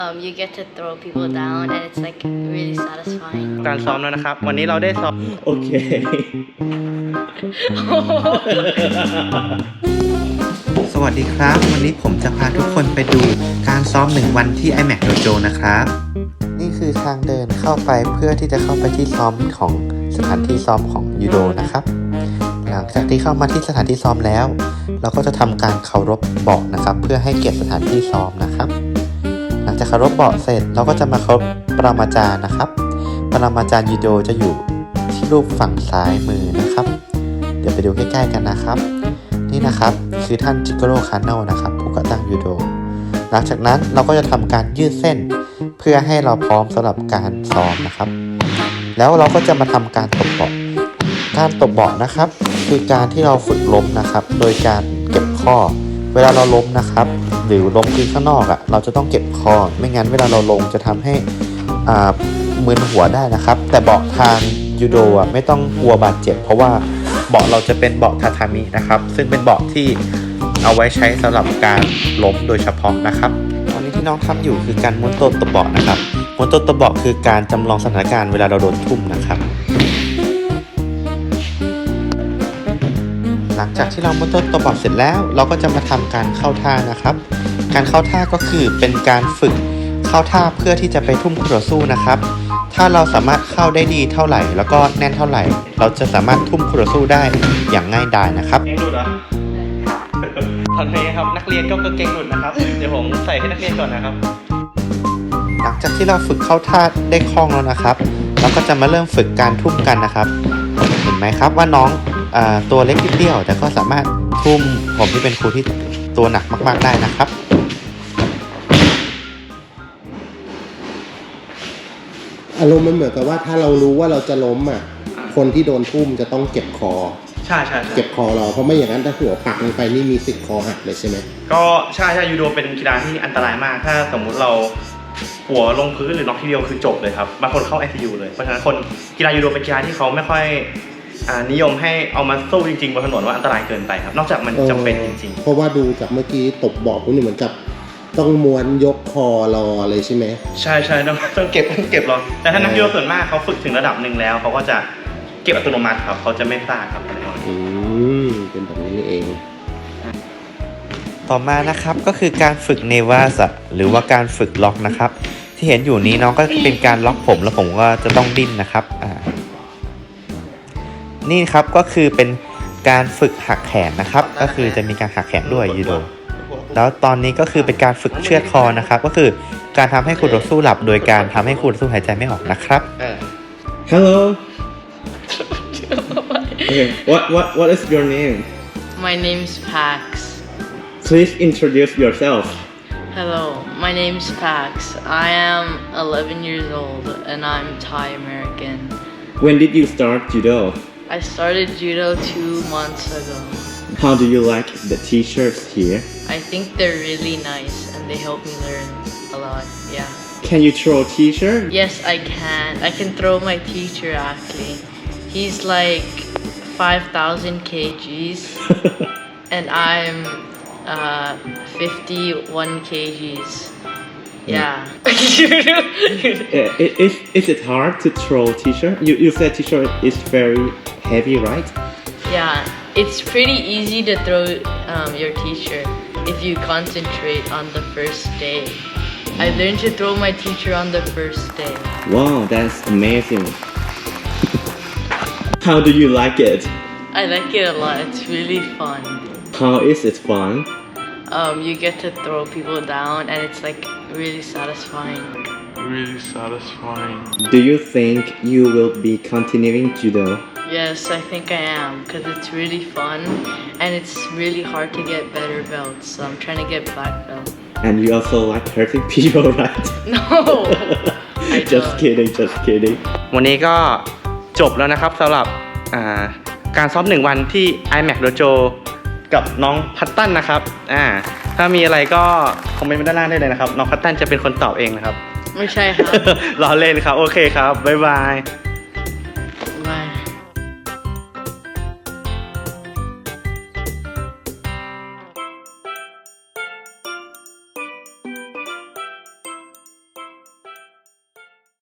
You get to throw people down and it's like really satisfying. การซ้อมแล้วนะครับวันนี้เราได้ซ้อมโอเคสวัสดีครับวันนี้ผมจะพาทุกคนไปดูการซ้อม1 วันที่ iMac Dojo นะครับนี่คือทางเดินเข้าไปเพื่อที่จะเข้าไปที่ซ้อมของสถานที่ซ้อมของยูโดนะครับหลังจากที่เข้ามาที่สถานที่ซ้อมแล้วเราก็จะทำการเคารพเบาะนะครับเพื่อให้เกียรติสถานที่ซ้อมนะครับหลังจากเคารพเบาะเสร็จเราก็จะมาเคารพปรมาจารย์นะครับปรมาจารย์ยูโดจะอยู่ที่รูปฝั่งซ้ายมือนะครับเดี๋ยวไปดูใกล้ๆกันนะครับนี่นะครับคือท่านจิโกโร่คาโนะนะครับผู้ก่อตั้งยูโดหลังจากนั้นเราก็จะทำการยืดเส้นเพื่อให้เราพร้อมสำหรับการซ้อมนะครับแล้วเราก็จะมาทำการตบเบาะการตบเบาะนะครับคือการที่เราฝึกล้มนะครับโดยการเก็บข้อเวลาเราล้มนะครับหรือล้มพื้นข้างนอกเราจะต้องเก็บข้อไม่งั้นเวลาเราลงจะทำให้มึนหัวได้นะครับแต่เบาะทางยูโดไม่ต้องกลัวบาดเจ็บเพราะว่าเบาะเราจะเป็นเบาะทาทามินะครับซึ่งเป็นเบาะที่เอาไว้ใช้สำหรับการล้มโดยเฉพาะนะครับตอนนี้ที่น้องทำอยู่คือการม้วนตัวตบเบาะนะครับม้วนตัวตบเบาะคือการจำลองสถานการณ์เวลาเราโดนทุ่มนะครับหลังจากที่เราม้วนตัวตบเบาะเสร็จแล้วเราก็จะมาทำการเข้าท่านะครับการเข้าท่าก็คือเป็นการฝึกเข้าท่าเพื่อที่จะไปทุ่มคู่ต่อสู้นะครับถ้าเราสามารถเข้าได้ดีเท่าไหร่แล้วก็แน่นเท่าไหร่เราจะสามารถทุ่มคู่ต่อสู้ได้อย่างง่ายดายนะครับเก่งหลุดเหรอตอนนี้ครับนักเรียนก็เก่งหลุดนะครับเดี๋ยวผมใส่ให้นักเรียนก่อนนะครับหลังจากที่เราฝึกเข้าท่าได้คล่องแล้วนะครับเราก็จะมาเริ่มฝึกการทุ่มกันนะครับเห็นไหมครับว่าน้องตัวเล็กนิดเดียวแต่ก็สามารถทุ่มผมที่เป็นครูที่ตัวหนักมากๆได้นะครับอารมณ์มันเหมือนกับว่าถ้าเรารู้ว่าเราจะล้มคนที่โดนทุ่มจะต้องเก็บคอใช่เก็บคอเราเพราะไม่อย่างนั้นถ้าหัวปักลงไปนี่มีสิทธิ์คอหักเลยใช่ไหมก็ใช่ยูโดเป็นกีฬาที่อันตรายมากถ้าสมมุติเราหัวลงพื้นหรือน็อกทีเดียวคือจบเลยครับบางคนเข้า ICU เลยเพราะฉะนั้นคนกีฬายูโดเป็นกีฬาที่เขาไม่ค่อยนิยมให้เอามาสู้จริงๆบนถนนว่าอันตรายเกินไปครับนอกจากมันจำเป็นจริงๆเพราะว่าดูจากเมื่อกี้ตบบอกคุณนี่เหมือนกับต้องม้วนยกคอรอเลยใช่ไหมใช่ต้องเก็บรอแต่ถ้านักยูโดส่วนมากเขาฝึกถึงระดับหนึ่งแล้วเขาก็จะเก็บอัตโนมัติครับเขาจะไม่พลาดครับอะไรอย่างนี้เป็นแบบนี้เองต่อมานะครับก็คือการฝึกเนวาสหรือว่าการฝึกล็อกนะครับที่เห็นอยู่นี้น้องก็เป็นการล็อกผมแล้วผมก็จะต้องดิ้นนะครับนี่ครับก็คือเป็นการฝึกหักแขนนะครับก็คือจะมีการหักแขนด้วยยูโดแล้วตอนนี้ก็คือเป็นการฝึกเชือดคอนะครับก็คือการทำให้คู่ต่อสู้หลับโดยการทำให้คู่ต่อสู้หายใจไม่ออกนะครับ Hello Okay what is your name My name's Pax. Please introduce yourself Hello, my name's Pax. I am 11 years old and I'm Thai American. When did you start judo? I started judo 2 months ago. How do you like the t-shirts here? I think they're really nice and they help me learn a lot, yeah. Can you throw t-shirt? Yes, I can. I can throw my teacher actually. He's like 5,000 kgs and I'm 51 kgs. Yeah. Is it hard to throw t-shirt? You said t-shirt is very heavy, right? Yeah, it's pretty easy to throw your t-shirt if you concentrate on the first day. I learned to throw my teacher on the first day. Wow, that's amazing. How do you like it? I like it a lot. It's really fun. How is it fun? You get to throw people down and it's like really satisfying. Do you think you will be continuing judo? Yes, I think I am because it's really fun and it's really hard to get better belts. So I'm trying to get black belt. And you also like hurting people, right? No, I just kidding. วันนี้ก็จบแล้วนะครับสำหรับการซ้อม1 วันที่ iMac Dojo กับน้องพัตตันนะครับถ้ามีอะไรก็คอมเมนต์มาด้านล่างได้เลยนะครับน้องพัตตันจะเป็นคนตอบเองนะครับไม่ใช่ครับล้อเล่นครับโอเคครับบ๊ายบาย